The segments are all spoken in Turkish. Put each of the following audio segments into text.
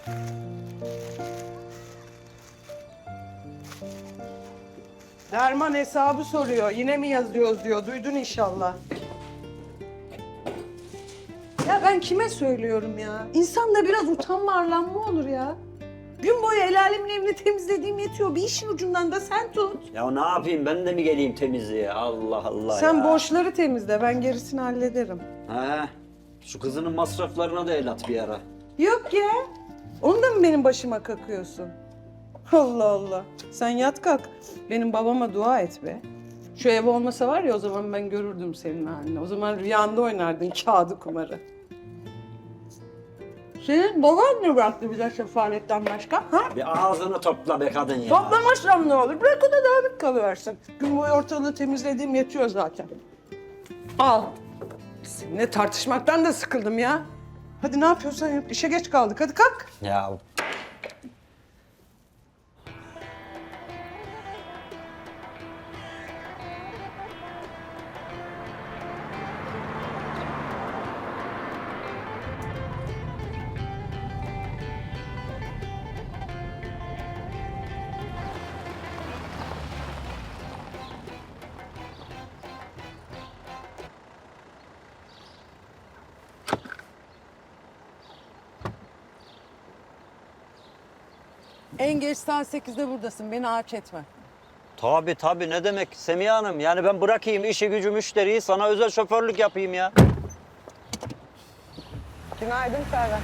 Derman hesabı soruyor. Yine mi yazıyoruz diyor. Duydun inşallah. Ya ben kime söylüyorum ya? İnsanda biraz utanma arlanma olur ya. Gün boyu el alemin evini temizlediğim yetiyor. Bir işin ucundan da sen tut. Ya ne yapayım, ben de mi geleyim temizliğe? Allah Allah Sen ya. borçları temizle. Ben gerisini hallederim. He, şu kızının masraflarına da el at bir ara. Yok ya. Onu da mı benim başıma kakıyorsun? Allah Allah. Sen yat kalk. Benim babama dua et be. Şu ev olmasa var ya, o zaman ben görürdüm senin halini. O zaman rüyanda oynardın kağıdı kumarı. Senin baban ne bıraktı bize sefaletten başka? Ha? Bir ağzını topla be kadın ya. Toplamazsam ne olur? Bırak o da dağınık kalıversin. Gün boyu ortalığı temizlediğim yetiyor zaten. Al. Seninle tartışmaktan da sıkıldım ya. Hadi ne yapıyorsan yap. İşe geç kaldık. Hadi kalk. Ya En geç saat 8'de buradasın. Beni ağaç etme. tabii ne demek Semiha Hanım? Yani ben bırakayım işi gücü müşteriyi, sana özel şoförlük yapayım ya. Günaydın Ferhat.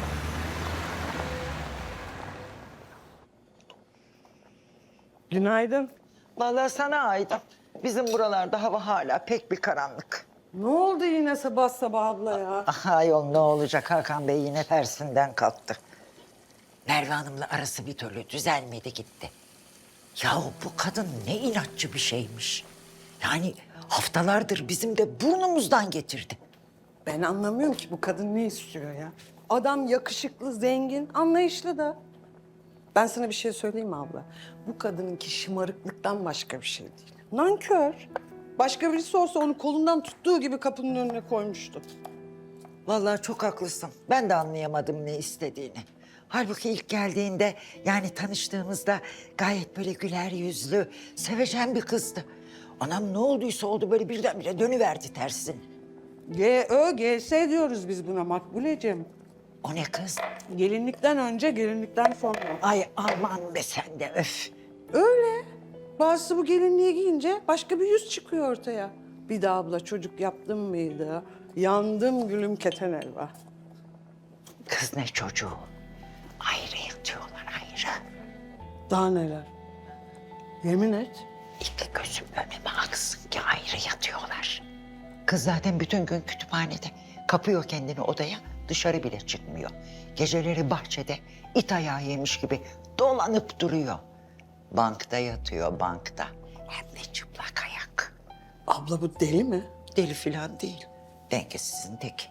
Günaydın. Vallahi sana ait. Bizim buralarda hava hala pek bir karanlık. Ne oldu yine sabah sabah abla ya? Ayol ne olacak, Hakan Bey yine tersinden kalktı. Merve Hanım'la arası bir türlü düzelmedi gitti. Yahu bu kadın ne inatçı bir şeymiş. Yani haftalardır bizim de burnumuzdan getirdi. Ben anlamıyorum ki bu kadın ne istiyor ya? Adam yakışıklı, zengin, anlayışlı da. Ben sana bir şey söyleyeyim mi abla? Bu kadınınki şımarıklıktan başka bir şey değil. Nankör. Başka birisi olsa onu kolundan tuttuğu gibi kapının önüne koymuştu. Vallahi çok haklısın. Ben de anlayamadım ne istediğini. Halbuki ilk geldiğinde, yani tanıştığımızda gayet böyle güler yüzlü, sevecen bir kızdı. Anam ne olduysa oldu, böyle birdenbire dönüverdi tersine. GS diyoruz biz buna Makbuleciğim. O ne kız? Gelinlikten önce, gelinlikten sonra. Ay aman be sen de öf. Öyle. Bazısı bu gelinliği giyince başka bir yüz çıkıyor ortaya. Bir de abla çocuk yaptım mıydı? Yandım gülüm keten elva. Kız ne çocuğu? Ayrı yatıyorlar ayrı. Daha neler? Yemin et. İki gözüm önüme aksın ki ayrı yatıyorlar. Kız zaten bütün gün kütüphanede. Kapıyor kendini odaya, dışarı bile çıkmıyor. Geceleri bahçede it ayağı yemiş gibi dolanıp duruyor. Bankta yatıyor, bankta. Hem de çıplak ayak. Abla bu deli mi? Deli falan değil. Dengesizin teki.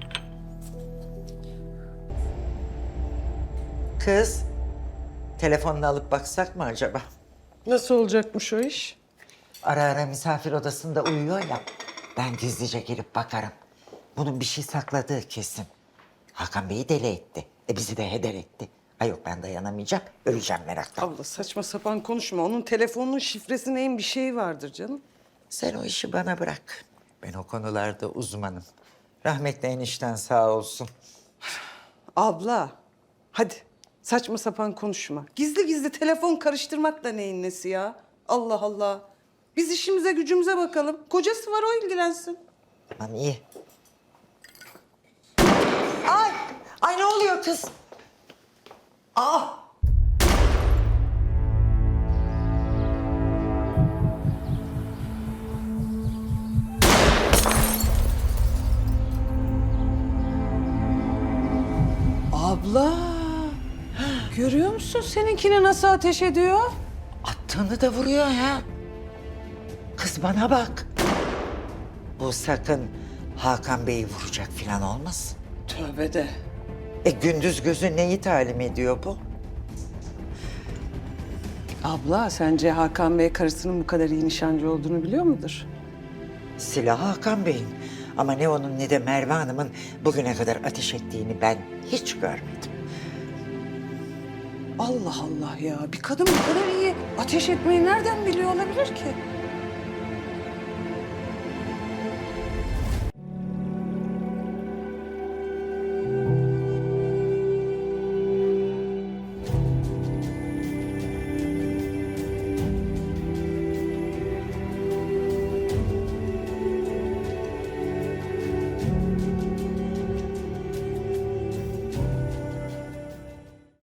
Kız, telefonunu alıp baksak mı acaba? Nasıl olacakmış o iş? Ara ara misafir odasında uyuyor ya. Ben gizlice gelip bakarım. Bunun bir şey sakladığı kesin. Hakan Bey'i deli etti. Bizi de heder etti. Ay yok, ben dayanamayacağım. Öleceğim meraktan. Abla saçma sapan konuşma. Onun telefonunun şifresi neyin bir şeyi vardır canım. Sen o işi bana bırak. Ben o konularda uzmanım. Rahmetli enişten sağ olsun. Abla hadi saçma sapan konuşma. Gizli gizli telefon karıştırmak da neyin nesi ya? Allah Allah. Biz işimize gücümüze bakalım. Kocası var, o ilgilensin. Tamam iyi. Ay! Ay ne oluyor kız? Aa! Abla. Görüyor musun seninkini nasıl ateş ediyor? Attığını da vuruyor ha. Kız bana bak. Bu sakın Hakan Bey'i vuracak falan olmasın. Tövbe de. Gündüz gözü neyi talim ediyor bu? Abla sence Hakan Bey karısının bu kadar iyi nişancı olduğunu biliyor mudur? Silah Hakan Bey'in. Ama ne onun ne de Merve Hanım'ın bugüne kadar ateş ettiğini ben hiç görmedim. Allah Allah ya. Bir kadın bu kadar iyi ateş etmeyi nereden biliyor olabilir ki?